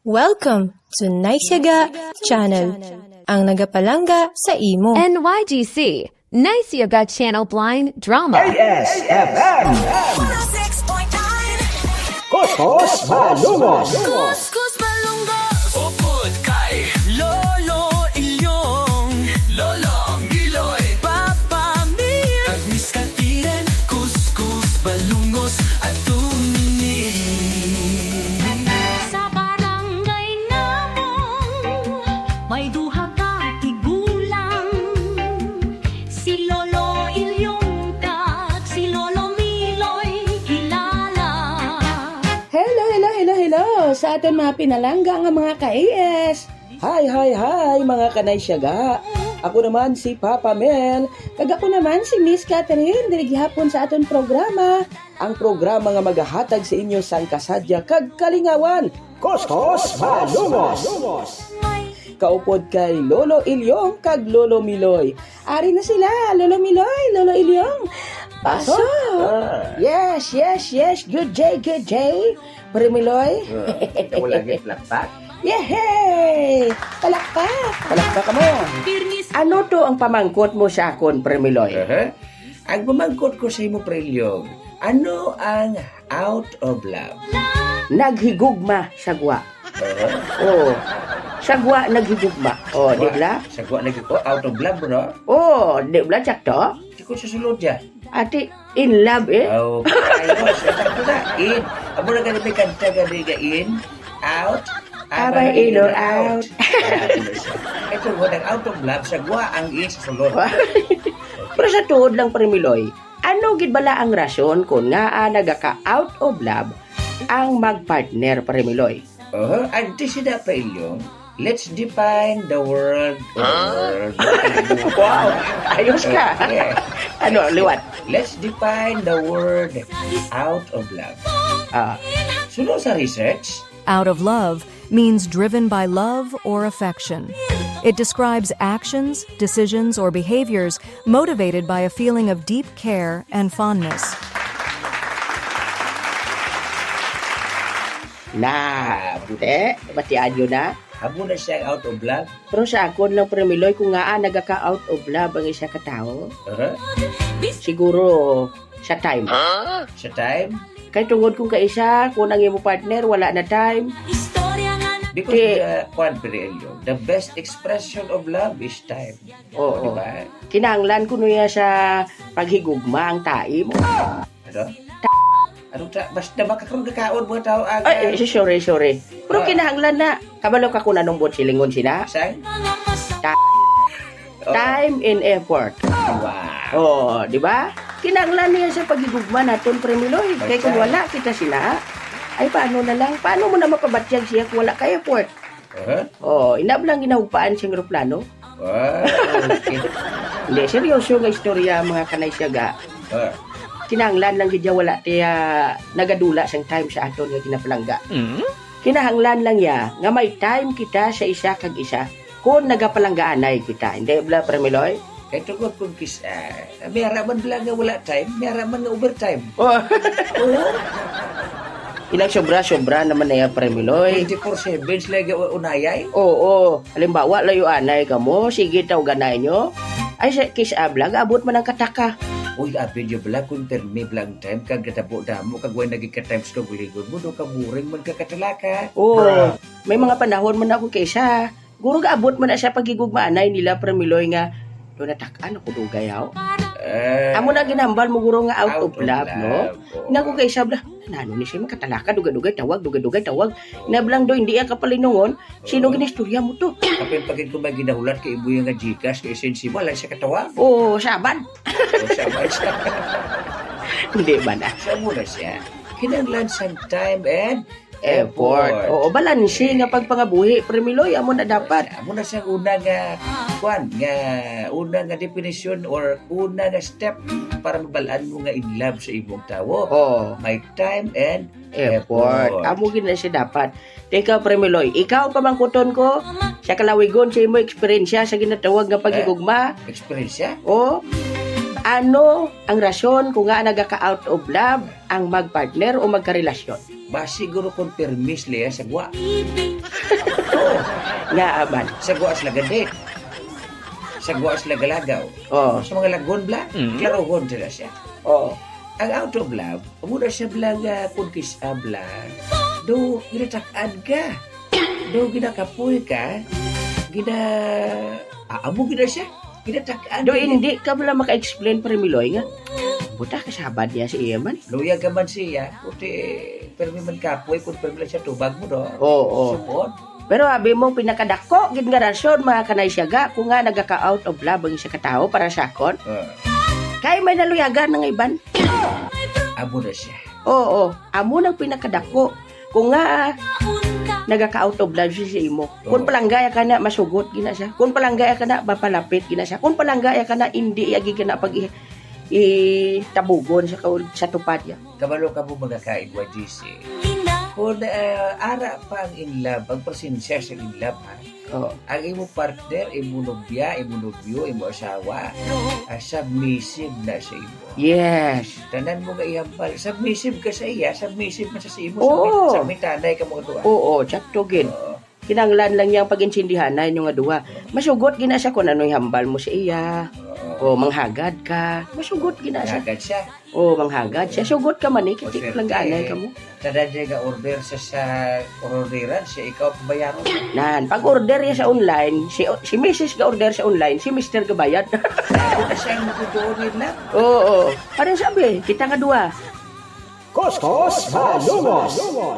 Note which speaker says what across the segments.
Speaker 1: Welcome to Naisyaga Channel, ang nagapalangga sa imo.
Speaker 2: NYGC, Naisyaga Channel Blind Drama.
Speaker 3: ASFM Kuskus Malungos
Speaker 4: Kuskus Malunggos Upod kay Lolo Ilyong Lolo Giloy Papa Mir Agnis Katiren Kuskus Malungos at tumini
Speaker 5: Sa barangay namong may duha ka tigulang, si Lolo Ilyong kag si Lolo Miloy kilala.
Speaker 6: Hello sa aton mga pinalangga nga mga ka-AS. Hi mga kanay syaga. Ako naman si Papa Mel, kag ako naman si Miss Catherine diri gihapon sa aton programa. Ang programa nga magahatag sa inyo sang kasadya kag kalingawan.
Speaker 3: Kuskus Malungos
Speaker 6: Kaupod kay Lolo Ilyong kag Lolo Miloy. Ari na sila, Lolo Miloy, Lolo Ilyong. Pasok! Yes. Good day. Pare Miloy.
Speaker 3: Ikaw lagi plakpak.
Speaker 6: Yehey! Palakpak ka mo. Ano to ang pamangkot mo sa akon, Pare Miloy?
Speaker 3: Ang pamangkot ko sa imo prelyog, ano ang out of love?
Speaker 6: Naghigugma sagwa. Oh. Sagwa naghigugma. Oh, di ba?
Speaker 3: Sagwa lagi ko, out of love, bro.
Speaker 6: Oh, di ba sakto?
Speaker 3: Di ko susulod ya.
Speaker 6: Ati in love eh.
Speaker 3: Oh, ayos. Sakto na. In. Amo na ganun may kanta ganun in, out,
Speaker 6: Abay, in or out.
Speaker 3: Ito mo, out of love, sagwa ang in sa sulod.
Speaker 6: Pero sa tuod lang, Pare Miloy, ano gid bala ang rason kung nga nagaka out of love ang magpartner, Pare Miloy?
Speaker 3: Ante sila pa ilyong, let's define the word.
Speaker 6: Wow, ayos ka.
Speaker 3: Yeah.
Speaker 6: Ano, liwat?
Speaker 3: Let's define the word out of love. Sunod sa research,
Speaker 7: Out of love means driven by love or affection. It describes actions, decisions, or behaviors motivated by a feeling of deep care and fondness.
Speaker 6: Bude, batian yun na.
Speaker 3: habo na siya out of love.
Speaker 6: Pero sa akon lang, Pare Miloy, kung nga nagaka-out of love ang isa katao, siguro sa time.
Speaker 3: Sa time,
Speaker 6: Kay tungod kung kaisa, kung ang imo partner, wala na time.
Speaker 5: Istorya nga na
Speaker 3: because the best expression of love is time.
Speaker 6: Oo.
Speaker 3: Diba?
Speaker 6: Kinahanglan ko niya sa paghigugma ang tae mo.
Speaker 3: Ano? Ano ta? Basta makakaroon ka kaon mga tao ang...
Speaker 6: Ay, sorry. Pero kinahanglan na. Kabalo ka kung anong buot silingon sina.
Speaker 3: Saan?
Speaker 6: Time and effort.
Speaker 3: Wow.
Speaker 6: Oh, di ba? Kinahanglan niya sa paghigugma naton, Pare Miloy. Kaya kung wala kita sina, ay paano na lang? Paano mo na mapabatyag siya kung wala kay effort? Oh, inablang ginahupaan siyang aeroplano.
Speaker 3: Wow. Okay.
Speaker 6: Hindi, seryoso nga istorya mga kanay siyaga. Kinahanglan lang gidya wala tiya nagadula sang time sa aton nga kinapalangga. Kinahanglan lang ya nga may time kita sa isa kag isa kung nagapalanggaanay kita. Hindi bla, Pare Miloy?
Speaker 3: Kaya tungkol kung kisa, may haraman lang nga wala time, may haraman nga overtime.
Speaker 6: Oh. Ilang sobra naman na yan, Pare Miloy.
Speaker 3: 24/7 sila unayay.
Speaker 6: Oo. Halimbawa, layo anay ka mo, sige taw ganay nyo. Ay, sa kiss ablag, abot man ang kataka.
Speaker 3: Uy, abi nyo bala kung termi blang time, kag natabo damo, kag way naging ka-times ka guligod mo, do ka muring man ka katalaka.
Speaker 6: Oo. May mga panahon man ako kaysa. Guro ga abot man na siya pagigugmaanay nila, Pare Miloy nga. Doon natakaan ako dugayaw. Amo na ginambal mo guro nga out of love, no? Inago kay sabla, nano ni siya makatalaka, dugay-dugay tawag. Inablang do, hindi ka palinungon, sino ginistorya mo to?
Speaker 3: Kapag pagin ko may ginahulat kay ibo yung nga Gcash, kay sensibo, alay siya katawag.
Speaker 6: Oo, saban.
Speaker 3: O siya ba siya?
Speaker 6: Hindi ba na?
Speaker 3: Siya muna siya. Kinanglan sang time and
Speaker 6: Effort. Oo, balansi nga pagpangabuhi, Pare Miloy, amo na dapat.
Speaker 3: Amo na siyang una nga, una nga definition or una nga step para mabalaan mo nga in love sa imong tao.
Speaker 6: Oo.
Speaker 3: May time and
Speaker 6: Effort. Amo gid na siya dapat. Teka, Pare Miloy, ikaw pamangkuton ko, sa kalawigon sa imo eksperyensya sa ginatawag nga pagigugma.
Speaker 3: Experience siya?
Speaker 6: O, ano ang rason kung nga nagaka-out of love ang magpartner o magkarelasyon?
Speaker 3: Ba siguro kung permis liya sa gwa.
Speaker 6: Nga aman.
Speaker 3: Sa guwas lagadik. Sa guwas lagalagaw.
Speaker 6: Oh.
Speaker 3: Sa mga lagon bla, klarohon sila siya.
Speaker 6: Oh.
Speaker 3: Ang out of love, muna siya blaga kung kisabla. Do, ginatakaan ka. Do, ginakapoy ka. Amo gina siya. Ginatakaan
Speaker 6: Do
Speaker 3: ka.
Speaker 6: hindi ka wala maka-explain para Miloy nga. Buta ka sabad niya si iya man.
Speaker 3: Luya ka man siya. Kuti, pero may man kapoy kung pero siya tubag mo do.
Speaker 6: Oo.
Speaker 3: Sumod.
Speaker 6: Pero abi mong pinakadako gid nga rason mga kanay siya ga kung nga nagaka-out of love ang isa ka tao para sa akon. Kay may naluyagan ng iban.
Speaker 3: Amo na siya.
Speaker 6: Oo, amo nang pinakadako. Kung nga nagaka-out of love siya sa imo. Kung palanggaya ka na masugot gina siya. Kung palanggaya ka na mapalapit gina siya. Kung palanggaya ka na hindi agi ka na pag itabugon sa tupad niya.
Speaker 3: Kabalo ka mo mga kaigwa GC. Kung ara pa ang in love, ang presensya sa in love ha.
Speaker 6: Oo.
Speaker 3: Ang imo partner, imo nobya, imo nobyo, imo asawa, submissive na sa imo.
Speaker 6: Yes.
Speaker 3: Tanan mo nga ihambal, submissive ka sa iya, submissive man sa imo,
Speaker 6: Oo.
Speaker 3: sa mitanay ka mga tuwa.
Speaker 6: Oo, tsakto gid. Kinanglan lang niyang pag-insindihan na yung nga duwa. Masugot gina siya kung ano'y hambal mo sa iya. O manghagad ka. Masugot gina siya.
Speaker 3: Agad siya.
Speaker 6: O manghagad siya. Sugot ka man kitik lang gaanay ka mo.
Speaker 3: Tanan niya nga order sa orderan, siya ikaw pabayaran.
Speaker 6: Nan, pag order niya sa online, si Mrs. ga order sa online, si Mr. ga bayad.
Speaker 3: Kung na siya ang makutuon lang.
Speaker 6: Oo. Parang sabi, kita nga duwa.
Speaker 8: Kuskus Malumos.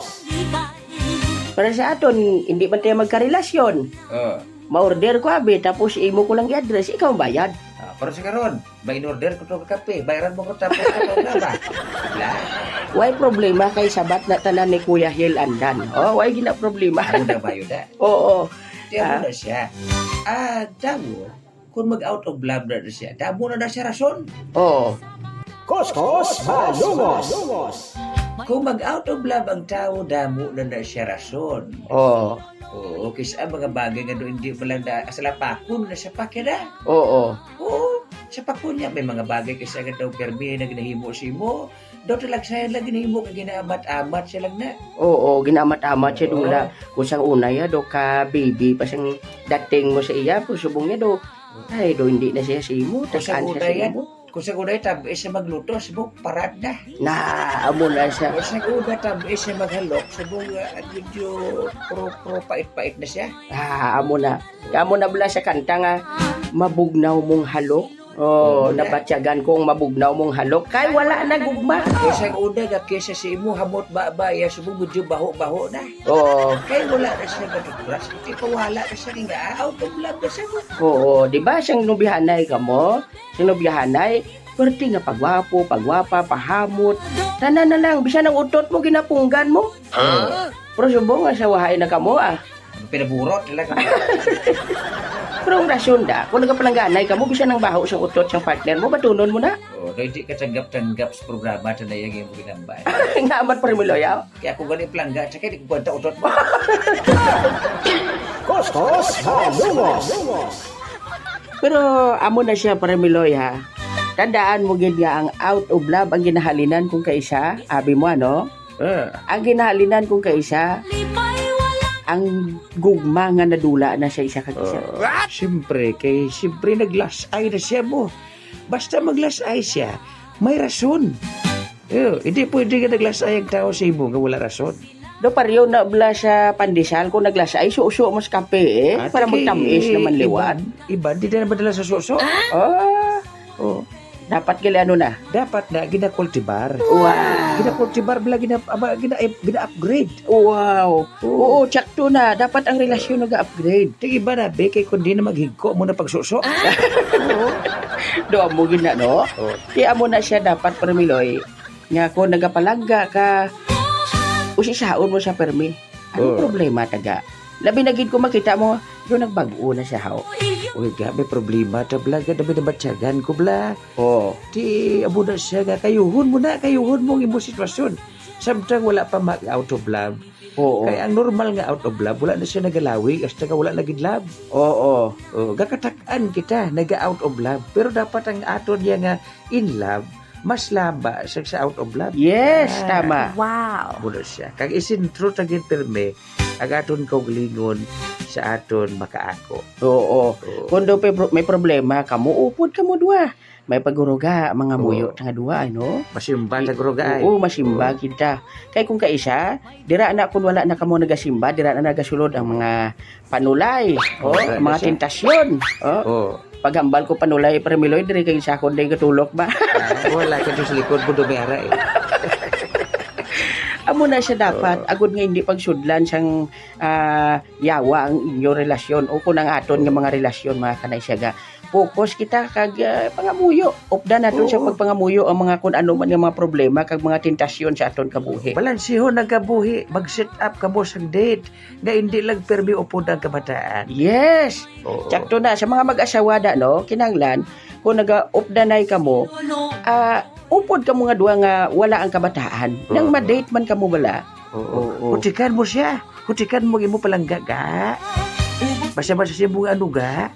Speaker 6: Para sa aton, hindi man tayo magkarelasyon. Ma-order ko abi, tapos imo ko lang i-address, ikaw ang bayad.
Speaker 3: Pero sa karon, may in-order ko to kape, bayaran mo ko tapos ka na ba? Wala.
Speaker 6: Why problema kay sabat na tanan ni Kuya Hil Andan? Oh, why gina problema?
Speaker 3: Ano na ba yun na?
Speaker 6: Oo.
Speaker 3: Tiyan mo na siya. Damo, kung mag-out of love na siya, damo na siya rason.
Speaker 6: Oo.
Speaker 8: Kuskus Malumos.
Speaker 3: Kung mag-out of love ang tao, damo na siya rason.
Speaker 6: Oo.
Speaker 3: Oo, kasi ang mga bagay nga doon hindi mo lang na sa lapakon na siya pakira.
Speaker 6: Oo.
Speaker 3: Oo, sa pakon niya, may mga bagay kasi agad daw permi na ginahimo si mo. Daw talag sa'yo lang ginahimo ka ginaamat-amat siya lang na.
Speaker 6: Oo, ginamat-amat siya dula. Kung sang una ya do ka baby pa siyang dating mo sa iya, pusubong niya do. Ay, do hindi na siya simo,
Speaker 3: Kung sa
Speaker 6: takaan
Speaker 3: una
Speaker 6: siya
Speaker 3: yan,
Speaker 6: simo.
Speaker 3: kung sa una tabi siya magluto, sabog parad na.
Speaker 6: Amo na siya.
Speaker 3: Kung sa una tabi siya maghalok, sabog medyo pro pait-pait na siya.
Speaker 6: Amo na. Amo na bala sa kanta nga, mabugnaw mong halok. Oh, nabatyagan kong mabugnaw mong halok. Kay wala na gugma.
Speaker 3: Kung sa una nga kesa si imo hamot ba-baya, sabog medyo baho-baho na.
Speaker 6: Oo.
Speaker 3: Kaya wala na siya matutras, kasi pawala na siya nga out of love na siya.
Speaker 6: Oo, di ba siyang nubihanay ka mo? Siyang nubihanay, perti nga pagwapo, pagwapa, pahamot. Tanan na lang, bisa ng utot mo, ginapunggan mo. Pero subong nga sa wahay na kamo
Speaker 3: Pinaburot talaga.
Speaker 6: Pero ang rasyon da, kung nagapalangganay ka mo, bisa ng baho sa utot sa partner mo, batunon mo na.
Speaker 3: Oh, hindi ka tanggap-tanggap sa programa na yung ginambay.
Speaker 6: Nga amat pa rin mo loyaw.
Speaker 3: Kaya kung ganun plangga, tsaka hindi ko kwenta utot mo.
Speaker 8: Kuskus Malumos.
Speaker 6: Pero amo na siya para miloy ha. Tandaan mo gid nga ang out of love ang ginahalinan kung kaisa, abi mo ano? Ang ginahalinan kung kaisa, ang gugma nga nadula na siya isa kag isa.
Speaker 3: Siyempre, nag-last eye na siya mo. Basta mag-last eye siya, may rason. Hindi pwede ka nag-last eye ang tao sa imo nga wala rason.
Speaker 6: Do pariyo na bla sa pandesal kung naglasa ay suso mo sa kape para magtamis naman liwat.
Speaker 3: Iba, di na madala sa suso.
Speaker 6: Dapat gali ano na.
Speaker 3: Dapat na gina-cultivar.
Speaker 6: Wow.
Speaker 3: Gina-cultivar bala gina-upgrade.
Speaker 6: Wow. Oo, tsakto na. Dapat ang relasyon nag-upgrade.
Speaker 3: Tig iba na, be, kay kundi na maghigko mo na pagsuso.
Speaker 6: Do mo gina no? Kaya mo na siya dapat permiloy. Nga kung nagapalangga ka, usisaon mo sa permi. Ano problema taga? Labi na gid ko makita mo, do nagbago na siya haw.
Speaker 3: Uy, gabi problema ta bla, gabi na matyagan ko bla. Di abo na siya nga kayuhon mo ang imo sitwasyon. Samtang wala pa out of love. Kaya ang normal nga out of love, wala na siya nagalawi, hasta ka wala naging love. Gakatakan kita, naga-out of love. Pero dapat ang aton niya nga in love, mas laba sa out of love.
Speaker 6: Yes, tama.
Speaker 2: Wow.
Speaker 3: Muna siya. Kag isintro tagin perme, ang aton kaugalingon sa aton makaako.
Speaker 6: Oo. Kung do may problema, kamo upod kamo duwa. May paguruga, mga muyo, nga duwa, ano?
Speaker 3: Masimba sa gruga ay.
Speaker 6: Oo, masimba kita. Kay kung kaisa, dira na kung wala na kamo nagasimba, dira na nagasulod ang mga panulay, mga tentasyon. Paghambal ko panulay, Premiloy, diri kay sakon day katulok ba?
Speaker 3: Wala ka sa likod mo dumera eh.
Speaker 6: Amo na siya dapat, agud nga hindi pagsudlan siyang yawa ang inyong relasyon o kung ang aton nga mga relasyon, mga kanay siya ga. Focus kita kag pangamuyo. Upda naton siya pagpangamuyo ang mga kun ano man nga mga problema kag mga tentasyon sa aton kabuhi.
Speaker 3: Balansiho nagabuhi, mag-set up ka mo sa date nga hindi lang permi upod ang kabataan.
Speaker 6: Yes. Tsakto na sa mga mag-asawa da no, kinanglan kung naga-updanay kamo, upod kamo nga duwa nga wala ang kabataan. Nang ma-date man kamo bala.
Speaker 3: Hutikan mo siya. Hutikan mo imo palangga ga. Basta siya mga ano ga.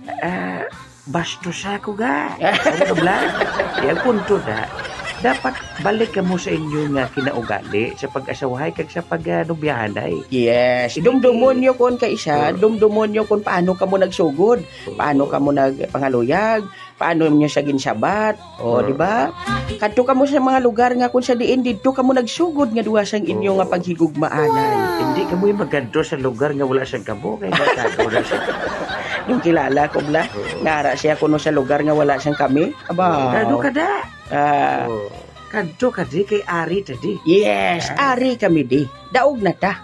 Speaker 3: Bastos ako ga. Ano ba? Yang punto na, dapat balik ka mo sa inyo nga kinaugali sa pag-asawahay kag sa pag-nubyahanay.
Speaker 6: Yes. Dumdumon nyo kon kaisa, dumdumon nyo kon paano ka mo nagsugod, paano ka mo nagpangaluyag, paano nyo sa ginsabat, di ba? Kadto ka mo sa mga lugar nga kung sa diin didto ka mo nagsugod nga duwa sang inyo nga paghigugmaanan.
Speaker 3: Hindi ka mo magadto sa lugar nga wala sang kamo kay matado na siya.
Speaker 6: Yung kilala ko bla, ngara siya kuno sa lugar nga wala siyang kami. Aba.
Speaker 3: Kadto ka da. Kadto ka di kay Ari tadi.
Speaker 6: Yes, Ari kami di. Daog na ta.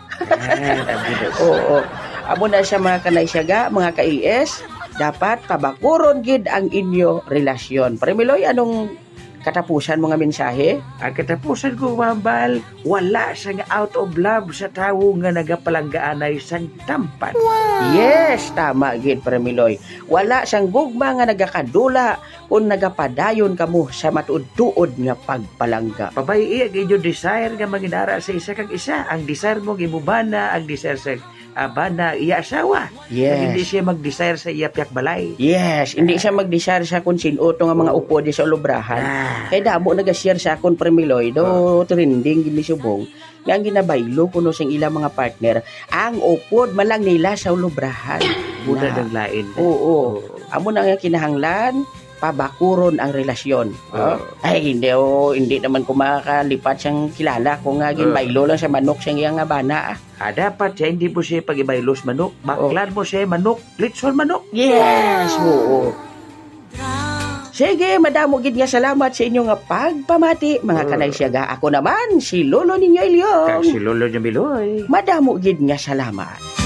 Speaker 6: Oo. Amo na siya mga kanay siya mga ka-IS, dapat pabakuron gid ang inyo relasyon. Premiloy, anong katapusan mga mensahe?
Speaker 3: Ang katapusan ko, mambal, wala siyang out of love sa tao nga nagapalanggaanay sang tampan.
Speaker 6: Yes, tama gid Premiloy. Wala siyang gugma nga nagakadula kung nagapadayon kamo sa matuod-tuod nga pagpalangga.
Speaker 3: Pabayi ang inyo desire nga manginara sa isa kag isa. Ang desire mo gimubana, ang desire sa bana iya asawa.
Speaker 6: Yes.
Speaker 3: Hindi siya mag-desire sa iya piyak balay.
Speaker 6: Yes, hindi siya mag-desire sa kung sino to nga mga upo di sa ulubrahan. Kay damo nag-share sa akon Premiloy do trending gini subong. Nga ang ginabaylo kuno sing ilang mga partner, ang upod malang nila sa ulubrahan.
Speaker 3: Muna ng lain.
Speaker 6: Oo. Amo na nga kinahanglan pabakuron ang relasyon. Ay, hindi naman ko makakalipat siyang kilala kung nga ginbaylo lang sa manok siyang iyang nga bana.
Speaker 3: Dapat siya hindi mo siya pag-ibaylos manok. Baklan mo siya manok, litson manok.
Speaker 6: Yes, oo. Sige, madamo gid nga salamat sa inyo nga pagpamati, mga kanay siyaga. Ako naman, si Lolo ninyo Ilyong.
Speaker 3: Kag si Lolo niya Miloy.
Speaker 6: Madamo gid nga salamat.